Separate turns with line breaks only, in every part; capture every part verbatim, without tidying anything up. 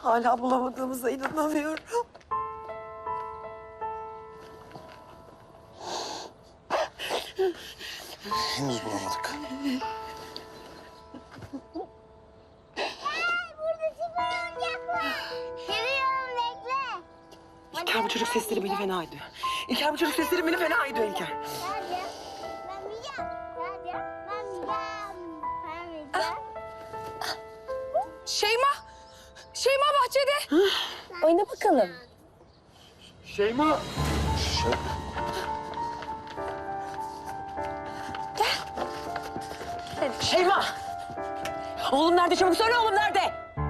Hala bulamadığımıza inanamıyorum.
Henüz bulamadık.
Burada süper oyuncak var. Geliyorum bekle.
İlker bu çocuk sesleri beni fena ediyor. İlker bu çocuk sesleri beni fena ediyor İlker.
Hadi. Ben yiyeceğim. Hadi. Ben yiyeceğim. Ben yiyeceğim.
Şeyma! Şeyma bahçede! Oyna bakalım.
Şeyma. Şey...
Şeyma! Oğlum nerede? Çabuk söyle oğlum nerede?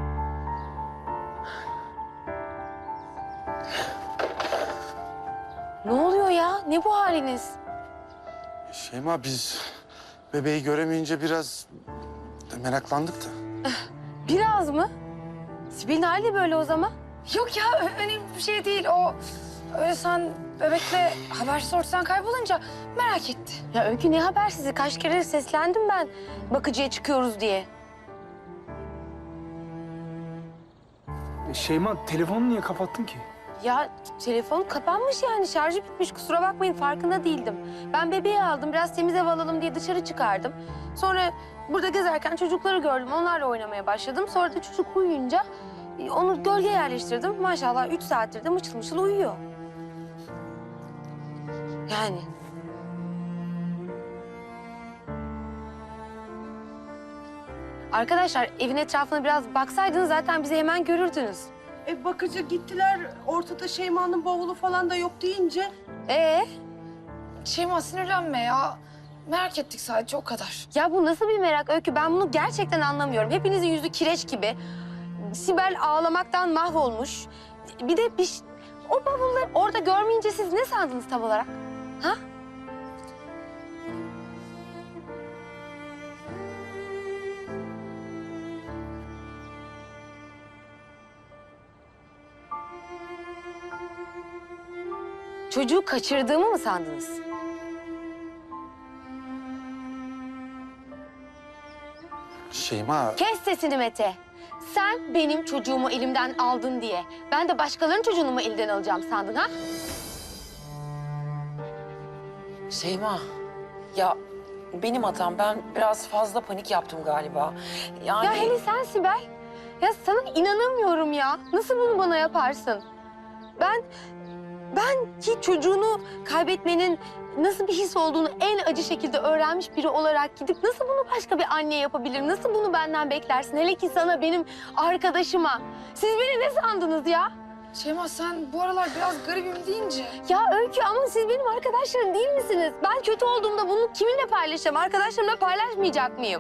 Ne oluyor ya? Ne bu haliniz?
Şeyma biz bebeği göremeyince biraz meraklandık da.
Biraz mı? Sibel'in hali böyle o zaman.
Yok ya ö- önemli bir şey değil. O öyle sen bebekle habersiz ortadan kaybolunca merak etti.
Ya Öykü ne habersizi? Kaç kere seslendim ben bakıcıya çıkıyoruz diye.
Şeyma, telefonu niye kapattın ki?
Ya telefon kapanmış yani şarjı bitmiş kusura bakmayın farkında değildim. Ben bebeği aldım biraz temiz hava alalım diye dışarı çıkardım. Sonra burada gezerken çocukları gördüm onlarla oynamaya başladım. Sonra da çocuk uyuyunca e, onu gölge yerleştirdim. Maşallah üç saattir de mışıl mışıl uyuyor. Yani. Arkadaşlar evin etrafına biraz baksaydınız zaten bizi hemen görürdünüz.
E bakıcı gittiler. Ortada Şeyma'nın bavulu falan da yok deyince.
Ee?
Şeyma sinirlenme ya. Merak ettik sadece o kadar.
Ya bu nasıl bir merak Öykü? Ben bunu gerçekten anlamıyorum. Hepinizin yüzü kireç gibi. Sibel ağlamaktan mahvolmuş. Bir de bir ş- o bavulları orada görmeyince siz ne sandınız tam olarak? Ha? Çocuğu kaçırdığımı mı sandınız?
Şeyma.
Kes sesini Mete. Sen benim çocuğumu elimden aldın diye ben de başkalarının çocuğunu mu elden alacağım sandın ha?
Şeyma, ya benim hatam. Ben biraz fazla panik yaptım galiba. Yani...
Ya hele sen Sibel. Ya sana inanamıyorum ya. Nasıl bunu bana yaparsın? Ben, ben ki çocuğunu kaybetmenin nasıl bir his olduğunu en acı şekilde öğrenmiş biri olarak gidip nasıl bunu başka bir anne yapabilir? Nasıl bunu benden beklersin? Hele ki sana, benim arkadaşıma. Siz beni ne sandınız ya?
Şeyma sen bu aralar biraz garibim deyince.
Ya Öykü ama siz benim arkadaşlarım değil misiniz? Ben kötü olduğumda bunu kiminle paylaşacağım? Arkadaşlarımla paylaşmayacak mıyım?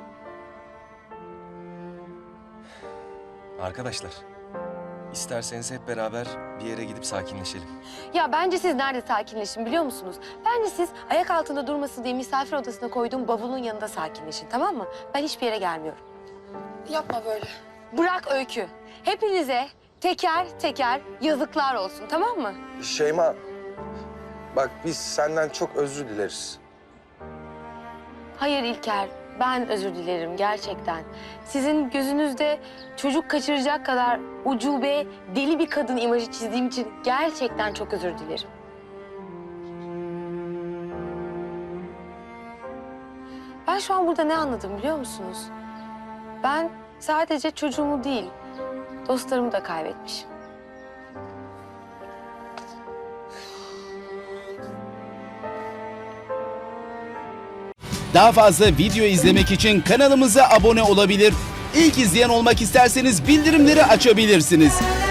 Arkadaşlar, isterseniz hep beraber bir yere gidip sakinleşelim.
Ya bence siz nerede sakinleşin biliyor musunuz? Bence siz ayak altında durmasın diye misafir odasına koyduğum bavulun yanında sakinleşin, tamam mı? Ben hiçbir yere gelmiyorum.
Yapma böyle.
Bırak Öykü. Hepinize teker teker yazıklar olsun, tamam mı?
Şeyma. Bak biz senden çok özür dileriz.
Hayır İlker, ben özür dilerim gerçekten. Sizin gözünüzde çocuk kaçıracak kadar ucube, deli bir kadın imajı çizdiğim için gerçekten çok özür dilerim. Ben şu an burada ne anladım biliyor musunuz? Ben sadece çocuğumu değil, dostlarımı da kaybetmişim.
Daha fazla video izlemek için kanalımıza abone olabilir. İlk izleyen olmak isterseniz bildirimleri açabilirsiniz.